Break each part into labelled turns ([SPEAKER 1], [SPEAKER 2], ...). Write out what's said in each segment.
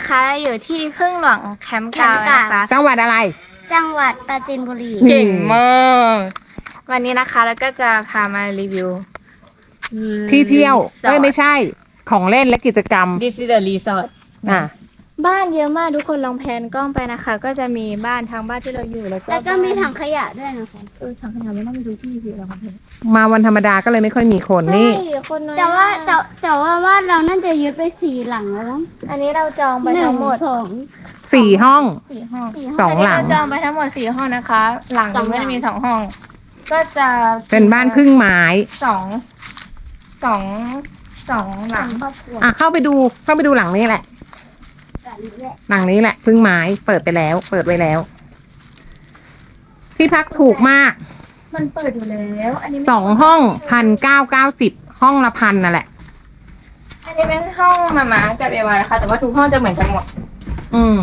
[SPEAKER 1] นะคะอยู่ที่พึ่งหลวงแคมป์กาวนะคะ
[SPEAKER 2] จังหวัดอะไร
[SPEAKER 3] จังหวัดปราจีนบุรี
[SPEAKER 1] เก่งมากวันนี้นะคะแล้วก็จะพามารีวิว
[SPEAKER 2] ที่เที่ยวไม่ใช่ของเล่นและกิจกรรม
[SPEAKER 1] This is the resort
[SPEAKER 2] อ่ะ
[SPEAKER 1] บ้านเยอะมากทุกคนลองแพนกล้องไปนะคะ ก็จะมีบ้านทางบ้านที่เราอยู่แล้วก็
[SPEAKER 3] แล้วก็มีถังขยะด้วยนะคะ
[SPEAKER 1] ถังขยะไม่ต้องไปดูที่สิเราครับ
[SPEAKER 2] มาวันธรรมดาก็เลยไม่ค่อยมีคนนี่
[SPEAKER 1] คนน้อย
[SPEAKER 3] แต่ว่าบ้านเราน่าจะยึดไป4 หลังแล้วมั้ง
[SPEAKER 1] อันนี้เราจองไปทั้งหมด
[SPEAKER 2] 4 ห้อง
[SPEAKER 1] 4 ห้อง
[SPEAKER 2] 2 หลัง
[SPEAKER 1] เราจองไปทั้งหมด4 ห้องนะคะ หลังนึงก็จะมี2 ห้อง ก็จะ
[SPEAKER 2] เป็นบ้านพึ่งไม้
[SPEAKER 1] สองหลัง
[SPEAKER 3] ครอบครัว
[SPEAKER 2] อ่ะเข้าไปดูหลังนี้แหละ หลังนี้แหละพึ่งไม้เปิดไว้แล้ว ที่พักถูกมาก
[SPEAKER 1] มันเปิดอยู่แล้วอันนี้
[SPEAKER 2] 2 ห้อง1,990ห้องละ1,000นั่นแหละ
[SPEAKER 1] อันนี้เป็นห้องมาม่ากับเอวานะคะ แต่ว่าทุกห้องจะเหมือนกันหมด
[SPEAKER 2] อืม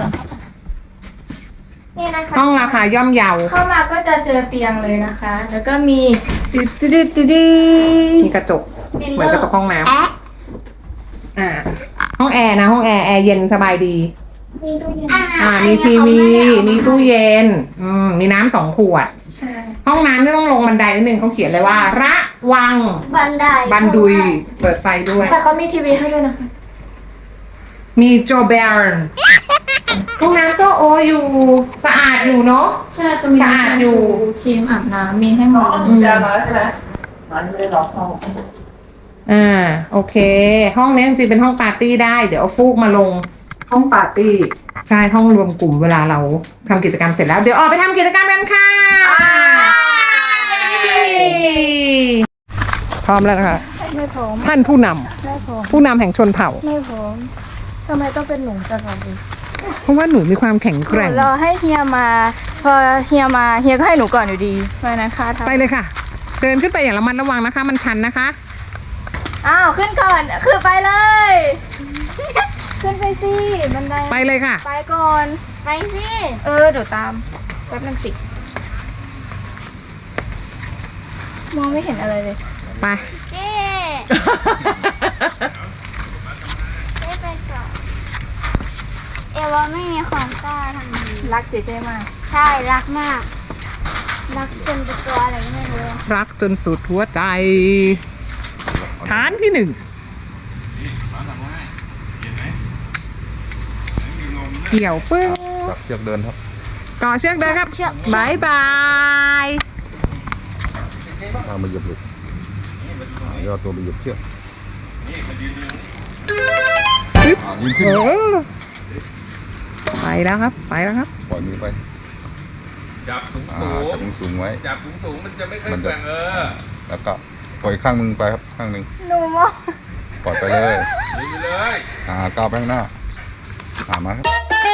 [SPEAKER 1] นี่นะคะ
[SPEAKER 2] ห้องราคาย่อมเยา
[SPEAKER 1] เข้ามาก็จะเจอเตียงเลยนะคะ แล้วก็มีตึ๊ด
[SPEAKER 2] มีกระจกเหมือนกระจกห้องน้ำ
[SPEAKER 3] แอะ
[SPEAKER 2] ห้องแอร์นะห้องแอร์เย็นสบายดี
[SPEAKER 1] มีตู้เย็น
[SPEAKER 2] มีทีวีมีตู้เย็นมีน้ำ2 ขวด
[SPEAKER 1] ใช่
[SPEAKER 2] ห้องน้ำไม่ต้องลงบันไดนิดนึงเขาเขียนเลยว่าระวัง
[SPEAKER 3] บันได
[SPEAKER 2] บันดุยเปิดไฟด้วย
[SPEAKER 1] แต่เขามีทีวีให้ด้วยนะคะ
[SPEAKER 2] มีโจเบร์นห้องน้ำก็อยู่สะอาดอยู่เนาะ
[SPEAKER 1] ใช่ก็มี
[SPEAKER 2] สะอาดอยู่
[SPEAKER 1] ครีมอาบน้ำมีให้หมด
[SPEAKER 4] จะมาใช่ไหมมันไม่ได้ล็อกห้อง
[SPEAKER 2] โอเค ห้องนี้จริงๆเป็นห้องปาร์ตี้ได้เดี๋ยวเอาฟูกมาลง
[SPEAKER 4] ห้องปาร์ตี้
[SPEAKER 2] ใช่ห้องรวมกลุ่มเวลาเราทำกิจกรรมเสร็จแล้วเดี๋ยวออกไปทำกิจกรรมกันค่ะพร้อมแล้วนะคะ
[SPEAKER 1] ไม่พร้อม
[SPEAKER 2] ท่านผู้น
[SPEAKER 1] ไม่พร้อม
[SPEAKER 2] ำผู้นำแห่งชนเผ่า
[SPEAKER 1] ไม่พร้อมทำไมต้องเป็นหนูจังเลย
[SPEAKER 2] เพราะว่าหนูมีความแข็งแกร่ง
[SPEAKER 1] รอให้เฮียมา พอเฮียมาเฮียก็ให้หนูก่อนอยู่ดีเพราะฉะนั้นค่ะ
[SPEAKER 2] ไปเลยค่ะ เดินขึ้นไปอย่างระมัดระวังนะคะ มันชันนะคะ
[SPEAKER 1] อ้าวขึ้นก่อนคือไปเลย ขึ้นไปสิบันได
[SPEAKER 2] ไปเลยค่ะ
[SPEAKER 1] ไปก่อน
[SPEAKER 3] ไปสิ
[SPEAKER 1] เดี๋ยวตามแป๊บนึงสิมองไม่เห็นอะไรเลย
[SPEAKER 2] ไป
[SPEAKER 3] เจ๊เจ๊ไปก่อนเอวาไม่มีความกล้าทางนี้
[SPEAKER 1] รักเจ๊มาก
[SPEAKER 3] ใช่รักมาก รักจนเป็นตัวอะไรไม่รู้
[SPEAKER 2] รักจนสุดหัวใจ ฐานที่ 1เกี่ยวปึ้ง
[SPEAKER 5] จับเชือกเดินครับ
[SPEAKER 2] ต่อเชือกเดินครับบายบาย
[SPEAKER 5] เอามาเหยียบหลุดยอดตัวไปเหยียบเชือก
[SPEAKER 2] ปึ๊บ
[SPEAKER 5] ยืนขึ้น
[SPEAKER 2] ไปแล้วครับ ไปแล้วครับ
[SPEAKER 5] ปล่อยมือไป
[SPEAKER 6] จับสูง
[SPEAKER 5] จับมือสูงไว้
[SPEAKER 6] จับสูงมันจะไม่ค่อยแกว่ง
[SPEAKER 5] แล้วก็ปล่อยข้างมึงไปครับข้างหนึ่ง
[SPEAKER 1] หนูมอง
[SPEAKER 5] ปล่อยไปเลย
[SPEAKER 6] ไปเลย
[SPEAKER 5] ก้าวไปข้างหน้ามาครับ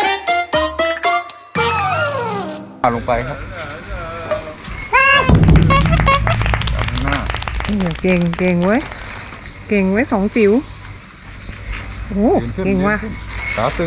[SPEAKER 5] ลงไปครับข้างหน้า
[SPEAKER 2] เก่งเว้ย เก่งไว้2 จิ๋วโอ้
[SPEAKER 5] ยืนขึ้น
[SPEAKER 2] เก่งว่ะ
[SPEAKER 5] ยืนขึ้นขาตึง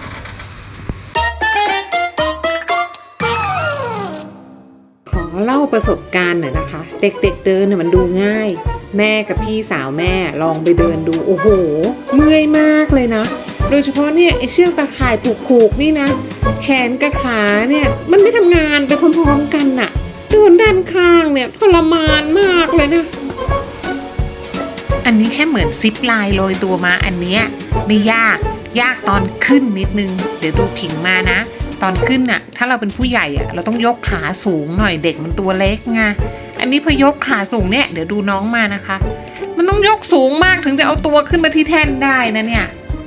[SPEAKER 2] ขอเล่าประสบการณ์หน่อยนะคะ เด็กๆเดินเนี่ยมันดูง่าย แม่กับพี่สาวแม่ลองไปเดินดูโอ้โหเมื่อยมากเลยนะ โดยเฉพาะเนี่ยไอเชือกตะข่ายผูกๆนี่นะ แขนกับขาเนี่ยมันไม่ทำงานไปพร้อมๆกันน่ะเดินด้านข้างเนี่ยทรมานมากเลยนะ อันนี้แค่เหมือนซิปไลน์โรยตัวมาอันเนี้ยไม่ยากตอนขึ้นนิดนึงเดี๋ยวดูผิงมานะ ตอนขึ้นน่ะถ้าเราเป็นผู้ใหญ่อะเราต้องยกขาสูงหน่อยเด็กมันตัวเล็กไงอันนี้พอยกขาสูงเนี่ยเดี๋ยวดูน้องมานะคะ มันต้องยกสูงมากถึงจะเอาตัวขึ้นมาที่แท่นได้นะเนี่ย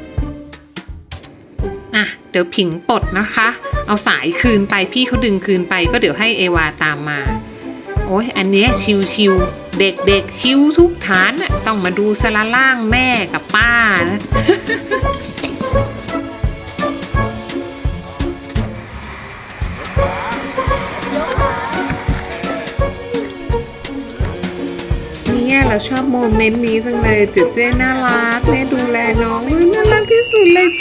[SPEAKER 2] เดี๋ยวผิงปลดนะคะ เอาสายคืนไปพี่เขาดึงคืนไปก็เดี๋ยวให้เอวาตามมาโอ้ยอันเนี้ยชิวๆเด็กๆชิวทุกฐานน่ะต้องมาดูสละล่างแม่กับป้านะ เนี่ยเราชอบโมเมนต์นี้จังเลยเจ๊น่ารักแม่ดูแลน้องน่ารักที่สุดเลยเจ๊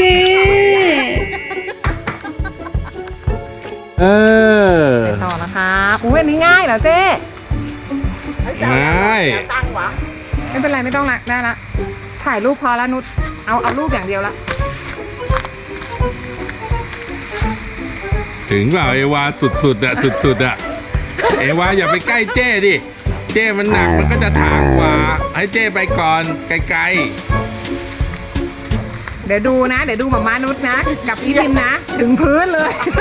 [SPEAKER 2] ต่อนะคะอุ้ยอันนี้ง่ายเหรอเจ๊ง่ายไม่เป็นไรไม่ต้องละได้ละถ่ายรูปพอแล้วนุชเอารูปอย่างเดียวละ
[SPEAKER 6] ถึงเปล่าเอวาสุดๆอะสุดๆอะเอวาอย่าไปใกล้เจ้ดิเจ้มันหนักมันก็จะถากกว่าให้เจ้ไปก่อนไกล
[SPEAKER 2] เดี๋ยวดูนะ เดี๋ยวดูหมานุชนะ กับพี่พิมนะ ถึงพื้นเลย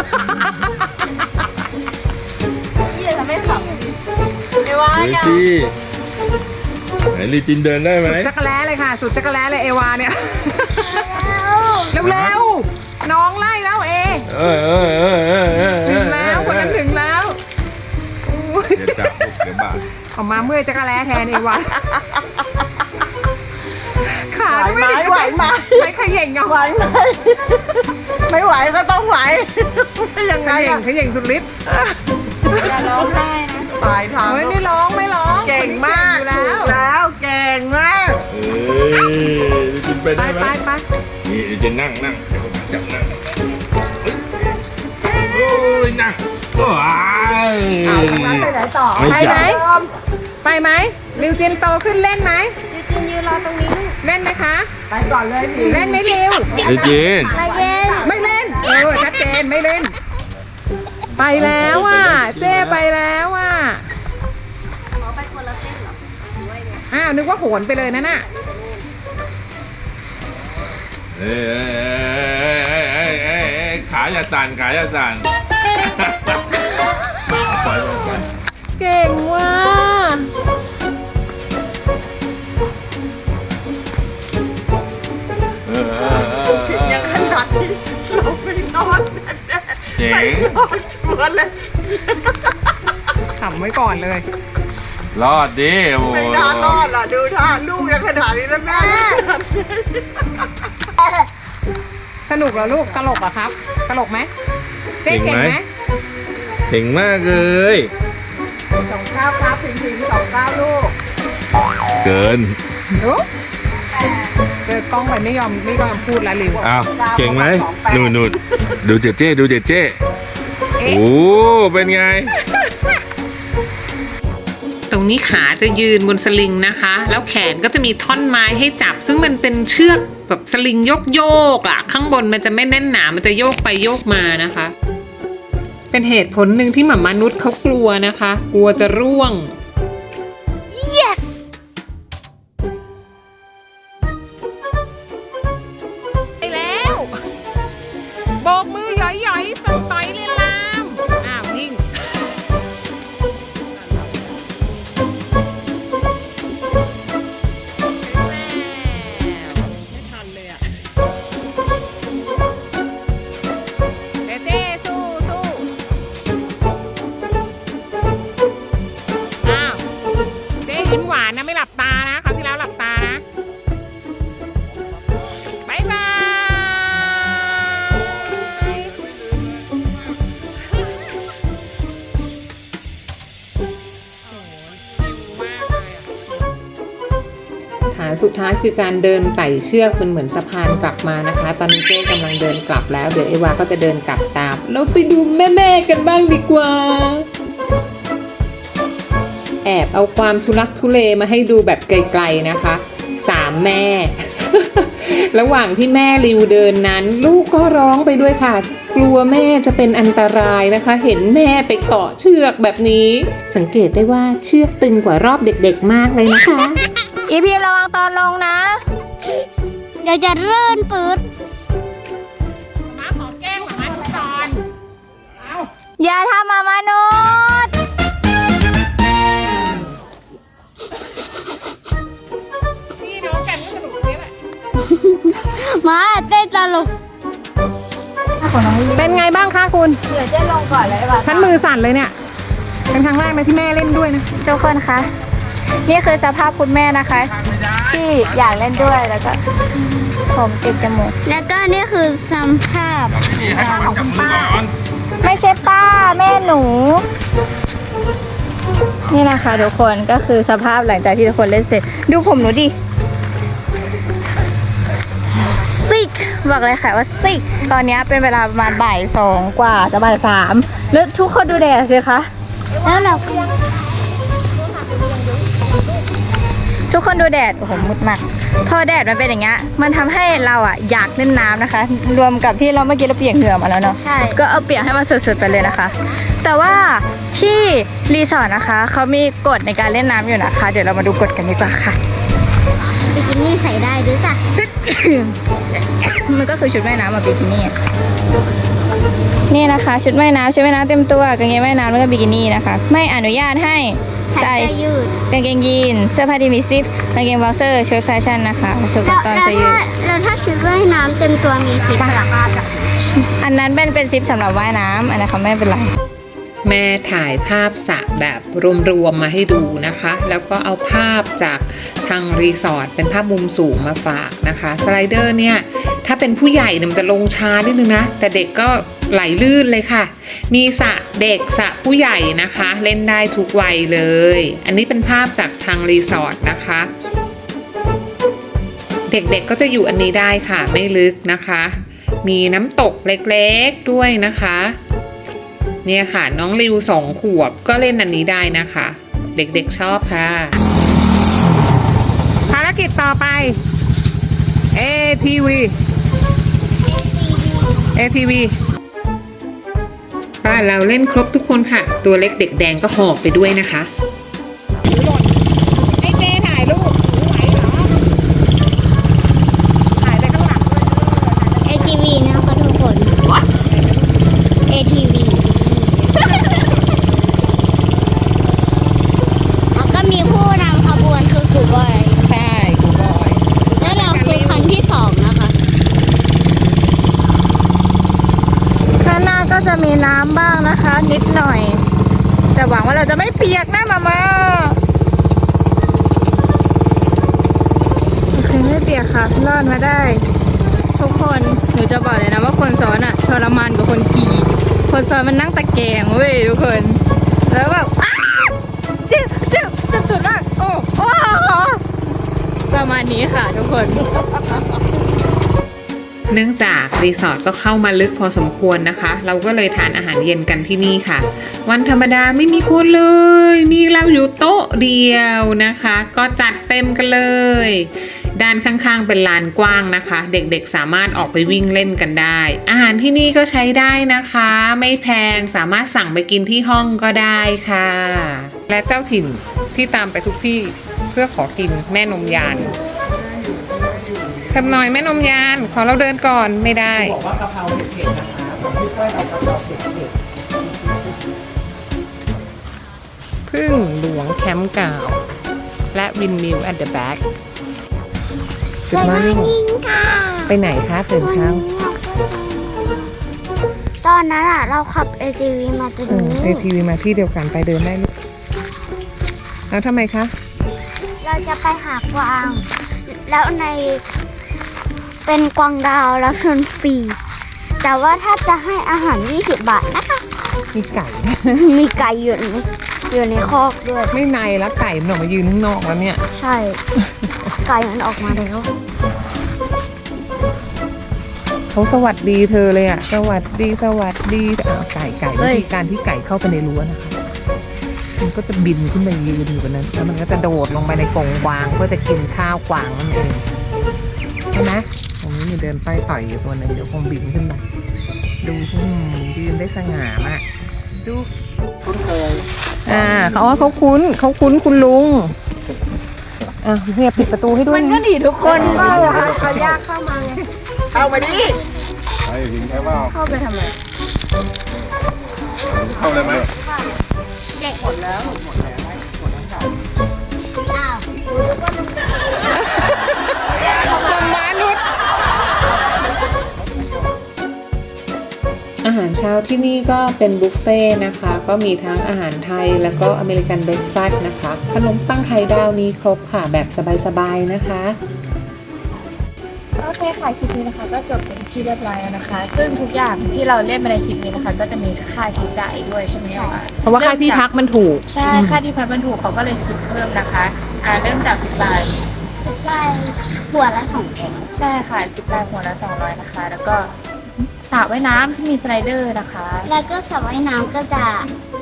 [SPEAKER 1] พี่จะไม่ขำเอวา
[SPEAKER 6] ๆ
[SPEAKER 1] อย่า
[SPEAKER 6] สิไหนลีจินเดินได้ไหม
[SPEAKER 2] จักรแล้เลยค่ะ สุดจักรแล้เลยเอวาเนี่ย เร็วๆ น้องไล่แล้วเอ ถึงแล้วคนนั้นถึงแล้วอุ๊ย
[SPEAKER 6] เดี๋ยวจับลูกเดี๋ยวบาด
[SPEAKER 2] ออกมาเมื่อยจักรแล้แทนเอวาขา
[SPEAKER 4] ไหว
[SPEAKER 2] ก็
[SPEAKER 4] ไหม
[SPEAKER 2] ไม่
[SPEAKER 4] ไหวไหม
[SPEAKER 2] ใช่เขย่งเอา
[SPEAKER 4] ไหวไหมไม่ไหวก็ต้องไหวไม่ยัง
[SPEAKER 2] เข
[SPEAKER 4] ไง
[SPEAKER 2] ย่ง
[SPEAKER 4] อะ
[SPEAKER 2] เขย่งสุดฤทธิ์
[SPEAKER 1] อย่าร้องไห้นะ
[SPEAKER 4] ตายทาง
[SPEAKER 2] เฮ้ยไม่ร้องไม่ร้อง
[SPEAKER 4] เก่งมาก
[SPEAKER 2] อยู่แล้ว
[SPEAKER 4] ถูกแล้วเก่งมาก
[SPEAKER 6] เอ้ยลีจินไป
[SPEAKER 2] ไป
[SPEAKER 6] ได้ไหม
[SPEAKER 2] ไป
[SPEAKER 6] นี่ลีจินนั่งเดี๋ยวผมจับนั่งโอ้ยนั่งว้าย
[SPEAKER 4] เอาทางนั้นไปไหนต่อ
[SPEAKER 6] ไม่
[SPEAKER 2] ไป
[SPEAKER 6] จั
[SPEAKER 2] ไหม
[SPEAKER 6] บ
[SPEAKER 2] ไปไหมริวจินโตขึ้นเล่นไหม
[SPEAKER 3] ยูจินยืนรอตรงนี้
[SPEAKER 2] เล่นไหมคะ
[SPEAKER 4] ไปก่อนเลยพี่
[SPEAKER 2] เล่นไหมริว
[SPEAKER 6] ลีจิน
[SPEAKER 3] มาเย็น
[SPEAKER 2] ไม่เล่นชัดเจนไม่เล่น ไปแล้วอ่ะเจ้ไปแล้วอ่ะ
[SPEAKER 1] ขอไปคนละเส้นเหรอหรือว่าไง
[SPEAKER 2] อ้าวนึกว่าโหนไปเลยนั่นน่ะ
[SPEAKER 6] เอ้ยขาอย่าสั่นขาอย่าสั่นปล่อยมันไป
[SPEAKER 2] เก่งว่ะ
[SPEAKER 4] ยังขนาดนี้เราไม่นอนแน่
[SPEAKER 6] เจ๋
[SPEAKER 4] ๆไม่
[SPEAKER 6] ง
[SPEAKER 4] นอนชวนเลย
[SPEAKER 2] ขำไว้ก่อนเลย
[SPEAKER 6] รอดดิโอ้โห
[SPEAKER 4] ไม่น่ารอดล่ะดูท่าลูกยังขนาดนี้แล้วแม่
[SPEAKER 2] สนุกเหรอลูกตลกเหรอครับตลกไหมเจ๊เก่งไหม
[SPEAKER 6] เก่งมากเลย
[SPEAKER 4] สองข้าวครับพิงๆสองข้าวลูก
[SPEAKER 6] เกิน
[SPEAKER 2] ดูเจอกล้องไปไม่ยอมพูดละริว
[SPEAKER 6] อ้าวเก่งไหมนู่นดูเจเจ้ดูเจเจ้โอ้เป็นไง
[SPEAKER 2] ตรงนี้ขาจะยืนบนสลิงนะคะ แล้วแขนก็จะมีท่อนไม้ให้จับ ซึ่งมันเป็นเชือกแบบสลิงโยกอ่ะ ข้างบนมันจะไม่แน่นหนา มันจะโยกไปโยกมานะคะ เป็นเหตุผลหนึ่งที่หม่ามนุษย์เขากลัวนะคะ กลัวจะร่วง
[SPEAKER 3] yes
[SPEAKER 2] ไปแล้วโบกมือหย่อยๆส่งต่อยเลยลามอ้าวนิ่งไม่ทันเลยอ่ะเจ๊สู้อ้าวเจ๊ยิ้มหวานนะไม่หลับตานะคราวที่แล้วหลับตานะบายบายฐานสุดท้ายคือการเดินไต่เชือกเป็นเหมือนสะพานกลับมานะคะ ตอนนี้เจ๊กำลังเดินกลับแล้วเดี๋ยวเอวาก็จะเดินกลับตามเราไปดูแม่ๆกันบ้างดีกว่า แอบเอาความทุลักทุเลมาให้ดูแบบไกลๆนะคะ3 แม่ ระหว่างที่แม่ริวเดินนั้น ลูกก็ร้องไปด้วยค่ะ กลัวแม่จะเป็นอันตรายนะคะ เห็นแม่ไปเกาะเชือกแบบนี้ สังเกตได้ว่าเชือกตึงกว่ารอบเด็กๆมากเลยนะคะ
[SPEAKER 1] อีพีระวังตอนลงนะ
[SPEAKER 3] เดี๋ยวจะเลื่อนปืด
[SPEAKER 2] มาขอแก้งมาทุกตอน
[SPEAKER 1] อย่าทำมามนุษย์
[SPEAKER 2] พี่น้องกันก็สนุกนี่แหละ
[SPEAKER 3] มาเต้นตลก
[SPEAKER 2] เป็นไงบ้างคะคุณ
[SPEAKER 1] เดี๋ยวเจ๊ลงก่อนเลยว่ะ
[SPEAKER 2] ฉันมือสั่นเลยเนี่ย เป็นครั้งแรกนะที่แม่เล่นด้วยนะ
[SPEAKER 1] ทุกคนคะ นี่คือสภาพคุณแม่นะคะ ที่อยากเล่นด้วยแล้วก็ ผมติดจมูก
[SPEAKER 3] แล้วก็นี่คือสัมภาพ
[SPEAKER 6] ให้มันจับมือก่อน
[SPEAKER 1] ไม่ใช่ป้าแม่หนู นี่นะคะทุกคนก็คือสภาพหลังจากที่ทุกคนเล่นเสร็จ ดูผมหนูดิซิกบอกเลยค่ะว่าซิกตอนนี้เป็นเวลาประมาณบ่าย 2 กว่าจะบ่าย 3แล้วทุกคนดูแดดสิคะ
[SPEAKER 3] แล้วเราก็
[SPEAKER 1] ทุกคนดูแดดโอ้โหมืดมากพอแดดมันเป็นอย่างเงี้ยมันทำให้เราอ่ะอยากเล่นน้ำนะคะ รวมกับที่เราเมื่อกี้เราเปียกเหงื่อมาแล้วเนาะ
[SPEAKER 3] ใช่
[SPEAKER 1] ก็เอาเปียกให้มันสุดๆไปเลยนะคะ แต่ว่าที่รีสอร์ทนะคะเขามีกฎในการเล่นน้ำอยู่นะคะ เดี๋ยวเรามาดูกฎกันดีกว่าค่ะ
[SPEAKER 3] บิกินี่ใส่ได้ด้วยจ้ะ
[SPEAKER 1] มันก็คือชุดว่ายน้ำกับบิกินี่อะนี่นะคะ ชุดว่ายน้ำเต็มตัวกางเกงว่ายน้ำแล้วก็บิกินี่นะคะ ไม่อนุญาตให้
[SPEAKER 3] ใส่
[SPEAKER 1] ใส่
[SPEAKER 3] เสื้อยืด
[SPEAKER 1] กางเกงยีนเสื้อผ้าที่มีซิปกางเกงบ็อกเซอร์ชุดแฟชั่นนะคะชุดกั
[SPEAKER 3] แล้
[SPEAKER 1] บ
[SPEAKER 3] ว
[SPEAKER 1] ตอนเสื้อยืด
[SPEAKER 3] ถ้าชุดว่ายน้ำเต็มตัวมีสีพลังงาน
[SPEAKER 1] อันนั้นเป็นซิปสำหรับว่ายน้ำอันนั้นเขาไม่เป็นไร
[SPEAKER 2] แม่ถ่ายภาพสระแบบรวมๆมาให้ดูนะคะ แล้วก็เอาภาพจากทางรีสอร์ทเป็นภาพมุมสูงมาฝากนะคะสไลเดอร์เนี่ยถ้าเป็นผู้ใหญ่เนี่ยมันจะลงช้านิดนึงนะแต่เด็กก็ไหลลื่นเลยค่ะ มีสระเด็กสระผู้ใหญ่นะคะ เล่นได้ทุกวัยเลย อันนี้เป็นภาพจากทางรีสอร์ทนะคะ เด็กๆก็จะอยู่อันนี้ได้ค่ะไม่ลึกนะคะ มีน้ำตกเล็กๆด้วยนะคะเนี่ยค่ะน้องริว2 ขวบก็เล่นอันนี้ได้นะคะ เด็กๆชอบค่ะภารกิจต่อไป ATV บ้านเราเล่นครบทุกคนค่ะ ตัวเล็กเด็กแดงก็หอบไปด้วยนะคะให้เจถ่ายรูปไหวเหรอถ่ายไปข้างหลังด้วย
[SPEAKER 3] ATV นะคะทุกคน
[SPEAKER 2] What
[SPEAKER 3] ATV แล้วก็มีผู้นำขบวนคือกูบอย
[SPEAKER 2] ใช่กูบอย
[SPEAKER 3] แล้วเราคือคันที่ 2 นะคะ
[SPEAKER 1] ข้างหน้าก็จะมีน้ำบ้างนะคะ นิดหน่อย แต่หวังว่าเราจะไม่เปียกนะมาโอเคไม่เปียกค่ะรอดมาได้ ทุกคนหนูจะบอกเลยนะว่าคนซ้อนอะทรมานกว่าคนขี่คนซ้อนมันนั่งตะแกรงเว้ยทุกคนแล้วแบบอ้าวเจ็บสุดมากโอ้ประมาณนี้ค่ะทุกคน
[SPEAKER 2] เนื่องจากรีสอร์ทก็เข้ามาลึกพอสมควรนะคะ เราก็เลยทานอาหารเย็นกันที่นี่ค่ะ วันธรรมดาไม่มีคนเลย มีเราอยู่โต๊ะเดียวนะคะ ก็จัดเต็มกันเลย ด้านข้างๆเป็นลานกว้างนะคะ เด็กๆสามารถออกไปวิ่งเล่นกันได้ อาหารที่นี่ก็ใช้ได้นะคะ ไม่แพงสามารถสั่งไปกินที่ห้องก็ได้ค่ะ และเจ้าถิ่นที่ตามไปทุกที่เพื่อขอกินแม่นมยานทำหน่อยแม่นมยานขอเราเดินก่อนไม่ได้บอกว่ากะเพราเผ็ดๆนะคะพี่เปิ้ลเอากะเพราเผ็ดๆพึ่งหลวงแคมป์เก่าและวินมิว at the back จุดมอร์นิ่ง
[SPEAKER 3] ค่ะ
[SPEAKER 2] ไปไหนคะตื่นเช้า
[SPEAKER 3] ตอนนั้นอ่ะเราขับ ATV มาตรงนี้
[SPEAKER 2] ATV มาที่เดียวกันไปเดินได้ลูกแล้วทำไมคะ
[SPEAKER 3] เราจะไปหากวาง แล้วในเป็นกวางดาวแล้วชวนฟรี แต่ว่าถ้าจะให้อาหาร20 บาทนะคะ
[SPEAKER 2] มีไก่
[SPEAKER 3] มีไก่อยู่ในคอกด้วย
[SPEAKER 2] ไม่ในแล้วไก่มันออกมายืนข้างนอกแล้วเนี่ย
[SPEAKER 3] ใช่ ไก่มันออกมาแล้ว
[SPEAKER 2] เขาสวัสดีเธอเลยอ่ะสวัสดีไก่วิธีการที่ไก่เข้าไปในรั้วนะคะมันก็จะบินขึ้นไปยืนอยู่บนนั้นแล้วมันก็จะโดดลงไปในกรงกวางเพื่อจะกินข้าวกวางนั่นเองใช่ไหมตรงนี้มีเดินไปต่อยอยู่ตัวหนึงเดี๋ยวคงบินขึ้นไปดูยืนได้สง่ามากดูเขาว่าเขาคุ้นคุณลุงเนี่ยปิดประตูให้ด้วย
[SPEAKER 1] มันก็ดีทุกคนก็เขายากเข้ามาไง
[SPEAKER 4] เข้ามาดิ
[SPEAKER 5] ไปถึงแค่ว่า
[SPEAKER 1] เข้าไปทำไม
[SPEAKER 5] เข้าเลยไหม
[SPEAKER 2] อาหารเช้าที่นี่ก็เป็นบุฟเฟ่ต์นะคะ ก็มีทั้งอาหารไทยแล้วก็อเมริกันเบรคฟาสต์นะคะขนมปังไข่ดาวมีครบค่ะแบบสบายๆนะคะ
[SPEAKER 1] โอเคค่ะคลิปนี้นะคะก็จบเป็นที่เรียบร้อยแล้วนะคะ ซึ่งทุกอย่างที่เราเล่นมาในคลิปนี้นะคะ ก็จะมีค่าใช้จ่ายด้วยใช่ไหมคะ
[SPEAKER 2] เพราะว่าค่าที่พักมันถูก
[SPEAKER 1] ใช่ค่าที่พักมันถูกเขาก็เลยคิดเพิ่มนะคะเริ่มจาก10 บาท
[SPEAKER 3] 10 บาทหัวละ200
[SPEAKER 1] ใช่ค่ะ10 บาทหัวละ200นะคะ แล้วก็สระว่ายน้ำที่มีสไลเดอร์นะคะ
[SPEAKER 3] แล้วก็สระว่ายน้ำก็จะ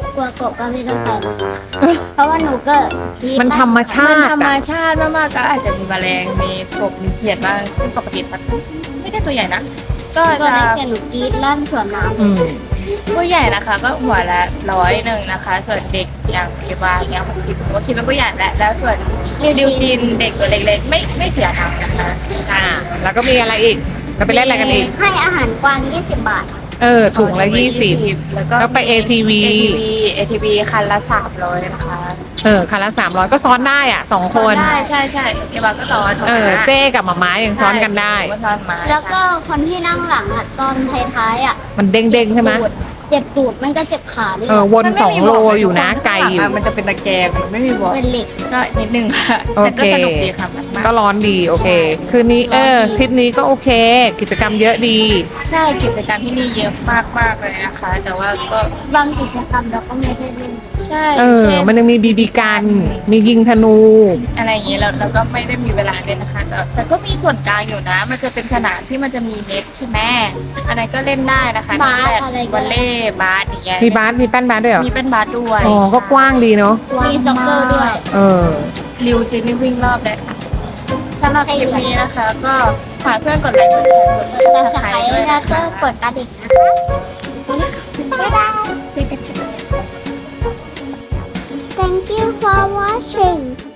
[SPEAKER 3] กลัวกบก็ไม่ต้องไปนะคะเพราะว่าหนูก็กรี๊ด
[SPEAKER 2] มันธรรมชา
[SPEAKER 1] มัน
[SPEAKER 2] ติ
[SPEAKER 1] ธรรม
[SPEAKER 2] อะ
[SPEAKER 1] ชาติมากๆก็อาจจะมีแมลงมีกบมีเขียดบ้างซึ่งปกติมันไม่ได้ตัวใหญ่นะ ก็
[SPEAKER 3] ตัว
[SPEAKER 1] จะ
[SPEAKER 3] เล็กแต่หนูกรี๊ดลั่นสวนน้ำ
[SPEAKER 2] อืม
[SPEAKER 1] ผู้ใหญ่นะคะ ก็หัวละ100นะคะ ส่วนเด็กอย่างเอวาอย่าง60ผมก็คิดว่าผู้ใหญ่แล้วส่วนริวจินเด็กตัวเล็กๆไม่เสียตังค์นะคะ
[SPEAKER 2] แล้วก็มีอะไรอีกเราไปเล่นอะไรกันอีก
[SPEAKER 3] ให้อาหารกวาง20 บาท
[SPEAKER 2] ถุงละ20
[SPEAKER 1] แล้วก็
[SPEAKER 2] แล้วไป ATV
[SPEAKER 1] ATV คันละ300นะคะ
[SPEAKER 2] คันละ300ก็ซ้อนได้อ่ะ2 คน
[SPEAKER 1] ได้ใช่เอวาก็ซ้อน
[SPEAKER 2] เจ๊กับหมาม้ายังซ้อนกันได้
[SPEAKER 1] ก็ซ้อนมา
[SPEAKER 3] แล้วก็คนที่นั่งหลังอะตอนท้ายๆอะ
[SPEAKER 2] มันเด้งๆใช่ไหม
[SPEAKER 3] เจ็บตูดมันก็เจ็บขาด้วย
[SPEAKER 2] วน2 โลอยู่นะไกลอยู่
[SPEAKER 1] มันจะเป็นตะแกรงมันไม่มีบอล
[SPEAKER 3] เป็นเหล็ก
[SPEAKER 1] ก็นิดนึงค่ะ
[SPEAKER 2] โอ
[SPEAKER 1] แต่
[SPEAKER 2] เค
[SPEAKER 1] ก็สนุกดีค่ะมาก
[SPEAKER 2] ก็ร้อนดีโอเค คืนนี้ทริปนี้ก็โอเค กิจกรรมเยอะดี
[SPEAKER 1] ใช่กิจกรรมที่นี่เยอะมากเลยนะคะ แต่ว่าก็
[SPEAKER 3] บางกิจกรรมเราก็ไม่ได้เล่น
[SPEAKER 1] ใช่
[SPEAKER 2] มันยังมีบีบีกัน มียิงธนู
[SPEAKER 1] อะไรอย่างเงี้ยเราก็ไม่ได้มีเวลาเลยนะคะแต่ก็มีส่วนกลางอยู่นะ มันจะเป็นสนามที่มันจะมีเน็ตใช่ไหมอันนั้นก็เล่นได้นะคะ
[SPEAKER 3] บาส
[SPEAKER 1] แบบ
[SPEAKER 3] อะไรก็
[SPEAKER 1] วอลเลย์บาสอย่างเงี้ย
[SPEAKER 2] มีแป้นบาสด้วยเหรอ
[SPEAKER 1] มีเป็นบาสด้วย
[SPEAKER 2] อ๋อก็กว้างดีเนาะ
[SPEAKER 3] มีซ็อกเกอร์ด้วย
[SPEAKER 1] ริวจินนี่วิ่งรอบเลยค่ะสำหรับคลิปนี้นะคะ ก็ฝากเพื่อนกดไลค์กดแชร์กด
[SPEAKER 3] กด
[SPEAKER 1] ซับส
[SPEAKER 3] ซับ
[SPEAKER 1] ไค
[SPEAKER 3] ส
[SPEAKER 1] ร
[SPEAKER 3] ไคร
[SPEAKER 1] ต์ด้วย
[SPEAKER 3] ต์แล้
[SPEAKER 1] นะ
[SPEAKER 3] วก็
[SPEAKER 1] คะ
[SPEAKER 3] กดกระดิ่งนะคะบ๊ายบาย Thank you for watching